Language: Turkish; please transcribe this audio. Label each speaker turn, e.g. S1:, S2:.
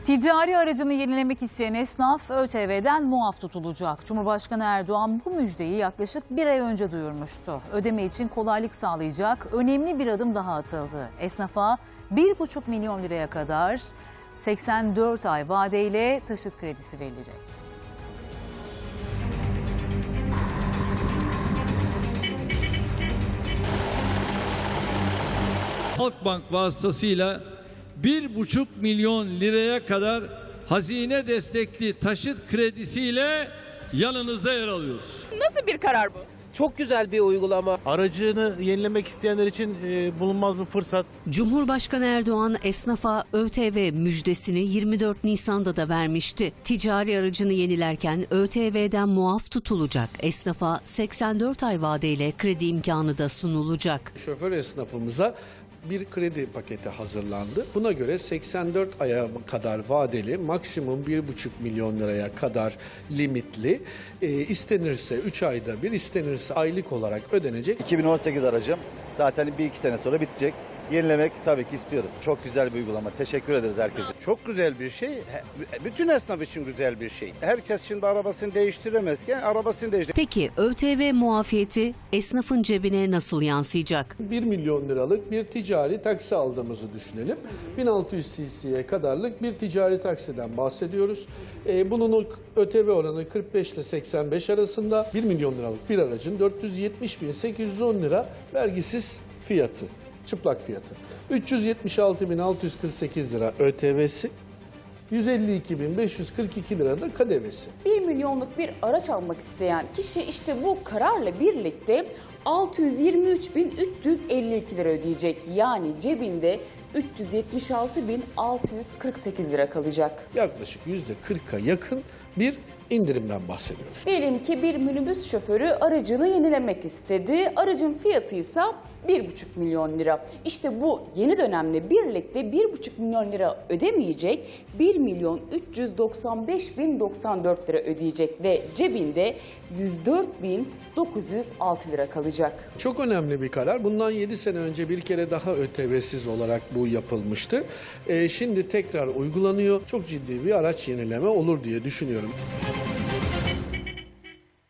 S1: Ticari aracını yenilemek isteyen esnaf ÖTV'den muaf tutulacak. Cumhurbaşkanı Erdoğan bu müjdeyi yaklaşık bir ay önce duyurmuştu. Ödeme için kolaylık sağlayacak önemli bir adım daha atıldı. Esnafa 1,5 milyon liraya kadar 84 ay vadeyle taşıt kredisi verilecek.
S2: Halkbank vasıtasıyla 1,5 milyon liraya kadar hazine destekli taşıt kredisiyle yanınızda yer alıyoruz.
S3: Nasıl bir karar bu?
S4: Çok güzel bir uygulama.
S5: Aracını yenilemek isteyenler için bulunmaz bir fırsat.
S6: Cumhurbaşkanı Erdoğan esnafa ÖTV müjdesini 24 Nisan'da da vermişti. Ticari aracını yenilerken ÖTV'den muaf tutulacak. Esnafa 84 ay vadeyle kredi imkanı da sunulacak.
S7: Şoför esnafımıza bir kredi paketi hazırlandı. Buna göre 84 aya kadar vadeli, maksimum 1,5 milyon liraya kadar limitli, istenirse 3 ayda bir, istenirse aylık olarak ödenecek.
S8: 2018 aracım, zaten 1-2 sene sonra bitecek. Yenilemek tabii ki istiyoruz. Çok güzel bir uygulama. Teşekkür ederiz herkese.
S9: Çok güzel bir şey. Bütün esnaf için güzel bir şey. Herkes şimdi arabasını değiştiremezken arabasını değiştir.
S6: Peki ÖTV muafiyeti esnafın cebine nasıl yansıyacak?
S7: 1 milyon liralık bir ticari taksi aldığımızı düşünelim. 1600 cc'ye kadarlık bir ticari taksiden bahsediyoruz. Bunun ÖTV oranı 45 ile 85 arasında. 1 milyon liralık bir aracın 470.810 lira vergisiz fiyatı. Çıplak fiyatı. 376.648 lira ÖTV'si, 152.542 lira da KDV'si.
S3: 1 milyonluk bir araç almak isteyen kişi işte bu kararla birlikte 623.352 lira ödeyecek. Yani cebinde 376.648 lira kalacak.
S7: Yaklaşık %40'a yakın bir indirimden bahsediyoruz.
S3: Diyelim ki bir minibüs şoförü aracını yenilemek istedi. Aracın fiyatı ise 1,5 milyon lira. İşte bu yeni dönemle birlikte 1,5 milyon lira ödemeyecek, 1.395.094 lira ödeyecek ve cebinde 104.906 lira kalacak.
S7: Çok önemli bir karar. Bundan 7 sene önce bir kere daha ÖTV'siz olarak bu yapılmıştı. Şimdi tekrar uygulanıyor. Çok ciddi bir araç yenileme olur diye düşünüyorum.